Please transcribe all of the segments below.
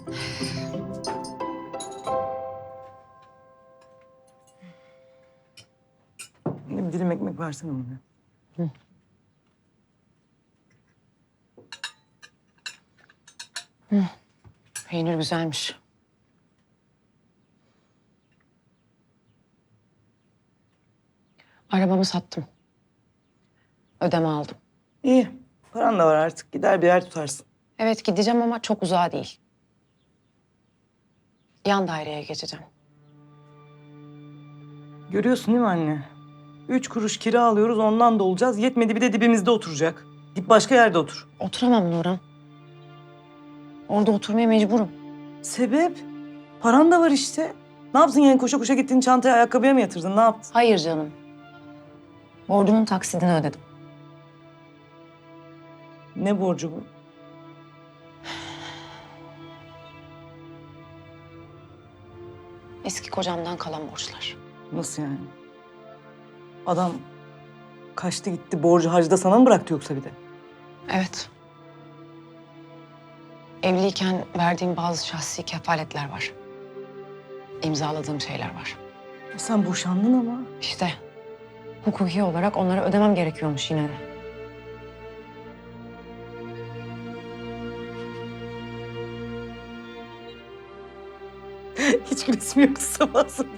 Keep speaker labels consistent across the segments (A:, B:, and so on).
A: Bir dilim ekmek versene bana.
B: Hı. Peynir güzelmiş. Arabamı sattım. Ödeme aldım.
A: İyi. Paran da var artık. Gider bir yer tutarsın.
B: Evet gideceğim ama çok uzağa değil. Yan daireye geçeceğim.
A: Görüyorsun değil mi anne? 3 kuruş kira alıyoruz, ondan da olacağız. Yetmedi bir de dibimizde oturacak. Git başka yerde otur.
B: Oturamam Nurhan. Orada oturmaya mecburum.
A: Sebep? Paran da var işte. Ne yaptın yani koşa koşa gittin çantaya ayakkabıya mı yatırdın? Ne yaptın?
B: Hayır canım. Borcumun taksidini ödedim.
A: Ne borcu bu?
B: Eski kocamdan kalan borçlar.
A: Nasıl yani? Adam kaçtı gitti borcu harcı da sana mı bıraktı yoksa bir de?
B: Evet. Evliyken verdiğim bazı şahsi kefaletler var. İmzaladığım şeyler var.
A: Sen boşandın ama.
B: İşte hukuki olarak onları ödemem gerekiyormuş yine de.
A: Hiç gülesim yoktu sabah sabah.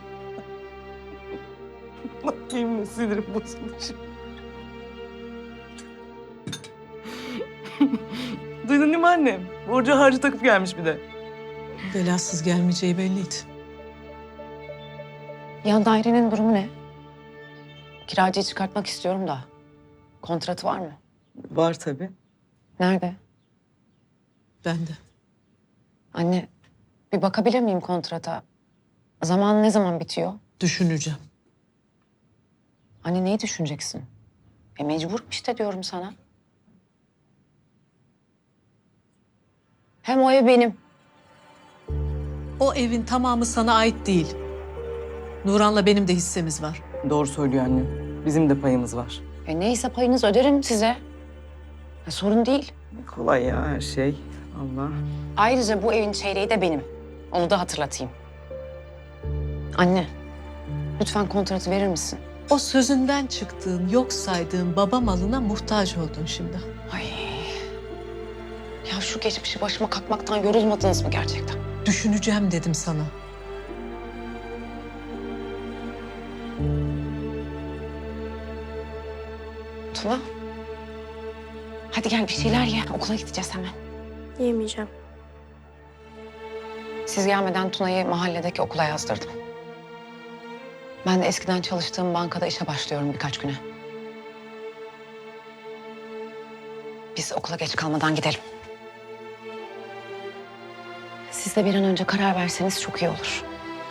A: Bakayım ne sinirim bozuldu şimdi. Duydun değil mi annem? Borcu harcı takıp gelmiş bir de.
C: Belasız gelmeyeceği belliydi.
B: Yan dairenin durumu ne? Kiracıyı çıkartmak istiyorum da. Kontratı var mı?
A: Var tabii.
B: Nerede?
C: Ben de.
B: Anne, bir bakabilir miyim kontrata? Zaman ne zaman bitiyor?
C: Düşüneceğim.
B: Anne neyi düşüneceksin? Mecburum işte diyorum sana. Hem o ev benim.
C: O evin tamamı sana ait değil. Nuran'la benim de hissemiz var.
A: Doğru söylüyor annem. Bizim de payımız var.
B: Neyse payınız öderim size. Sorun değil.
A: Kolay ya her şey. Allah.
B: Ayrıca bu evin çeyreği de benim. Onu da hatırlatayım. Anne, lütfen kontratı verir misin?
C: O sözünden çıktığın, yok saydığın baba malına muhtaç oldun şimdi.
B: Ay. Ya şu geçmişi başıma kakmaktan yorulmadınız mı gerçekten?
C: Düşüneceğim dedim sana.
B: Tuna. Hadi gel bir şeyler ye. Okula gideceğiz hemen.
D: Yemeyeceğim.
B: Siz gelmeden Tuna'yı mahalledeki okula yazdırdım. Ben de eskiden çalıştığım bankada işe başlıyorum birkaç güne. Biz okula geç kalmadan gidelim. Siz de bir an önce karar verseniz çok iyi olur.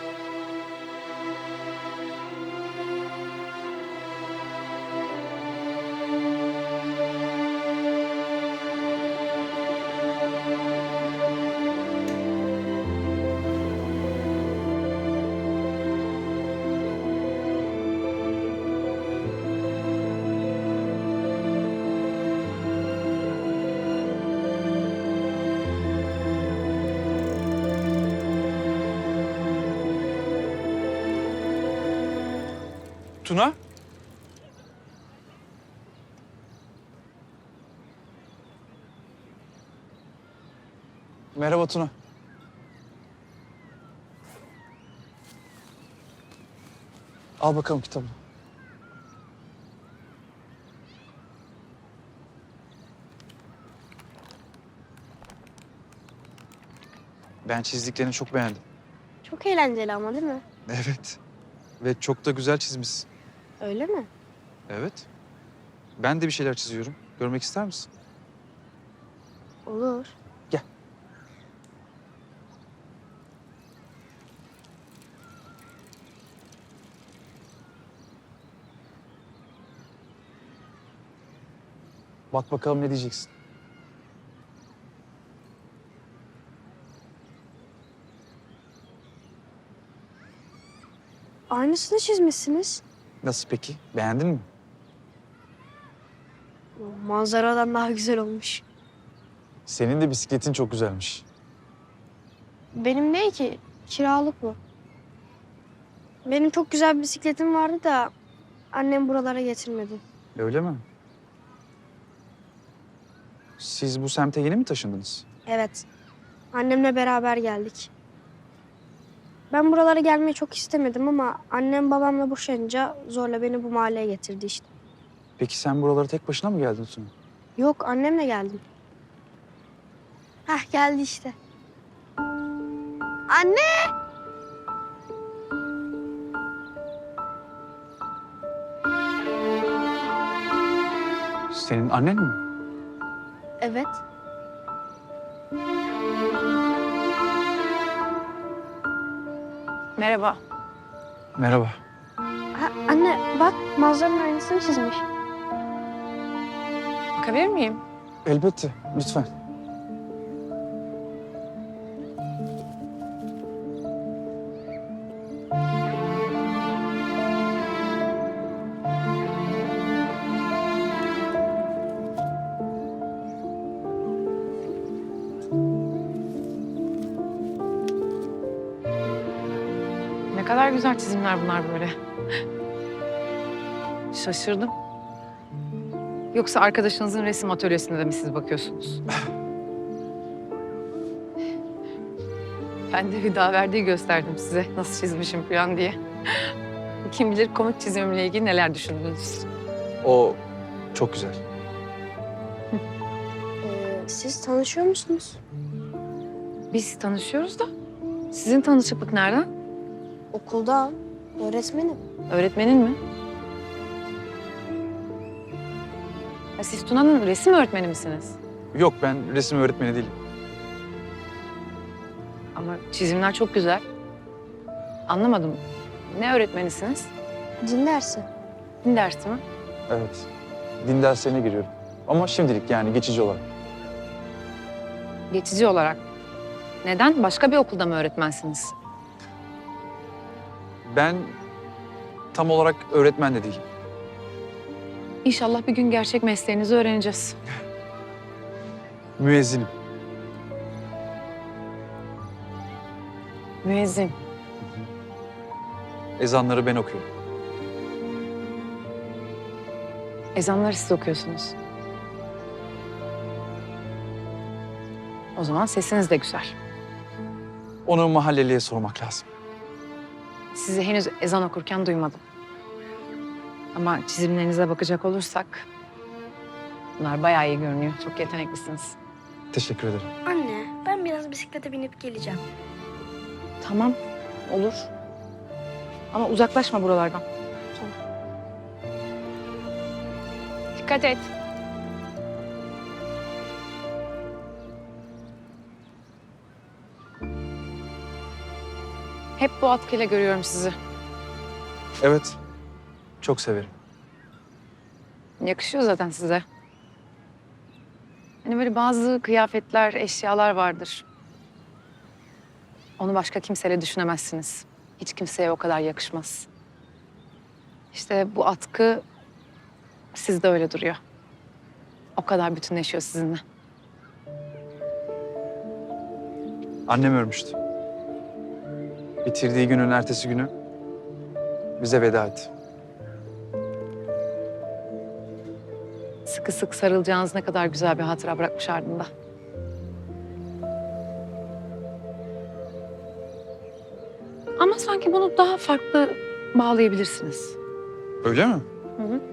E: Tuna? Merhaba Tuna. Al bakalım kitabını. Ben çizdiklerini çok beğendim.
D: Çok eğlenceli ama değil mi?
E: Evet. Ve çok da güzel çizmişsin.
D: Öyle mi?
E: Evet. Ben de bir şeyler çiziyorum. Görmek ister misin?
D: Olur.
E: Gel. Bak bakalım ne diyeceksin.
D: Aynısını çizmişsiniz.
E: Nasıl peki? Beğendin mi?
D: Manzaradan daha güzel olmuş.
E: Senin de bisikletin çok güzelmiş.
D: Benim değil ki. Kiralık bu. Benim çok güzel bir bisikletim vardı da annem buralara getirmedi.
E: Öyle mi? Siz bu semte yeni mi taşındınız?
D: Evet. Annemle beraber geldik. Ben buralara gelmeyi çok istemedim ama annem babamla boşanınca zorla beni bu mahalleye getirdi işte.
E: Peki sen buralara tek başına mı geldin Sunu?
D: Yok, annemle geldim. Hah, geldi işte. Anne!
E: Senin annen mi?
D: Evet.
B: Merhaba.
E: Merhaba.
D: Ha, anne bak, manzaranın aynısını çizmiş.
B: Bakabilir miyim?
E: Elbette, lütfen.
B: Ne kadar güzel çizimler bunlar böyle. Şaşırdım. Yoksa arkadaşınızın resim atölyesinde de mi siz bakıyorsunuz? Ben de Hüdaverdi'yi gösterdim size nasıl çizmişim falan diye. Kim bilir komik çizimimle ilgili neler düşündünüz.
E: O çok güzel.
D: Siz tanışıyor musunuz?
B: Biz tanışıyoruz da sizin tanışıklık nereden?
D: Okulda. Öğretmenim.
B: Öğretmenin mi? Ya siz Tuna'nın resim öğretmeni misiniz?
E: Yok, ben resim öğretmeni değilim.
B: Ama çizimler çok güzel. Anlamadım. Ne öğretmenisiniz?
D: Din dersi.
B: Din dersi mi?
E: Evet, din derslerine giriyorum. Ama şimdilik yani geçici olarak.
B: Geçici olarak. Neden? Başka bir okulda mı öğretmensiniz?
E: Ben tam olarak öğretmen de değilim.
B: İnşallah bir gün gerçek mesleğinizi öğreneceğiz.
E: Müezzinim.
B: Müezzin.
E: Ezanları ben okuyorum.
B: Ezanları siz okuyorsunuz. O zaman sesiniz de güzel.
E: Onu mahalleliye sormak lazım.
B: Sizi henüz ezan okurken duymadım. Ama çizimlerinize bakacak olursak... bunlar bayağı iyi görünüyor. Çok yeteneklisiniz.
E: Teşekkür ederim.
D: Anne, ben biraz bisiklete binip geleceğim.
B: Tamam, olur. Ama uzaklaşma buralardan. Dikkat et. Hep bu atkıyla görüyorum sizi.
E: Evet, çok severim.
B: Yakışıyor zaten size. Hani böyle bazı kıyafetler, eşyalar vardır. Onu başka kimseyle düşünemezsiniz. Hiç kimseye o kadar yakışmaz. İşte bu atkı sizde öyle duruyor. O kadar bütünleşiyor sizinle.
E: Annem ölmüştü. Bitirdiği günün ertesi günü bize veda etti.
B: Sıkı sıkı sarılacağınız ne kadar güzel bir hatıra bırakmış ardında. Ama sanki bunu daha farklı bağlayabilirsiniz.
E: Öyle mi?
B: Hı hı.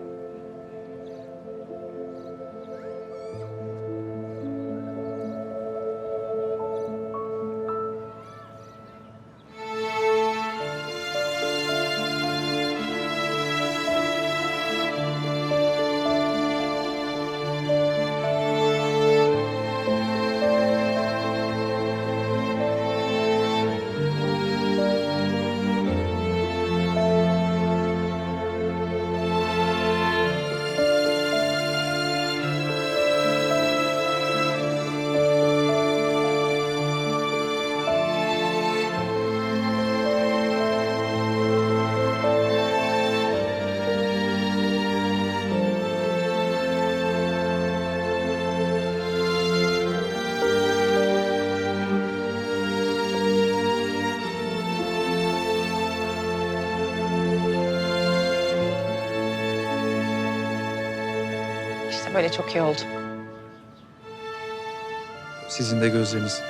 B: İşte böyle çok iyi oldu.
E: Sizin de gözleriniz.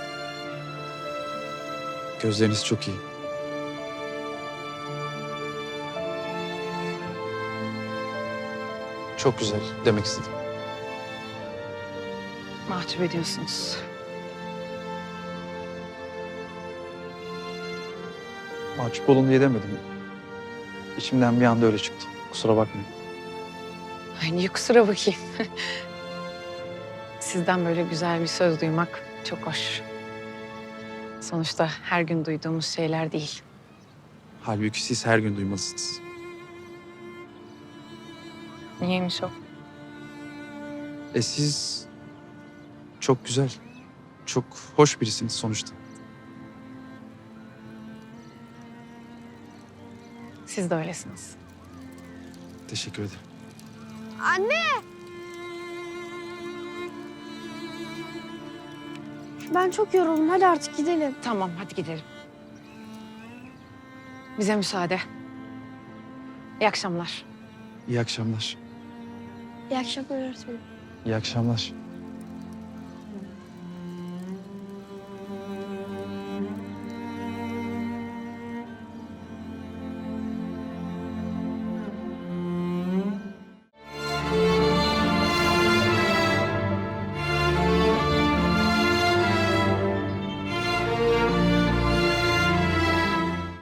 E: Gözleriniz çok iyi. Çok güzel demek istedim.
B: Mahcup ediyorsunuz.
E: Mahcup olun diye demedim. İçimden bir anda öyle çıktı. Kusura bakmayın.
B: Ay niye kusura bakayım. Sizden böyle güzel bir söz duymak çok hoş. Sonuçta her gün duyduğumuz şeyler değil.
E: Halbuki siz her gün duymalısınız.
B: Niyeymiş o?
E: Siz çok güzel, çok hoş birisiniz sonuçta.
B: Siz de öylesiniz.
E: Teşekkür ederim.
D: Anne! Ben çok yoruldum. Hadi artık gidelim.
B: Tamam hadi gidelim. Bize müsaade. İyi akşamlar.
E: İyi akşamlar.
D: İyi akşamlar öğretmenim.
E: İyi akşamlar.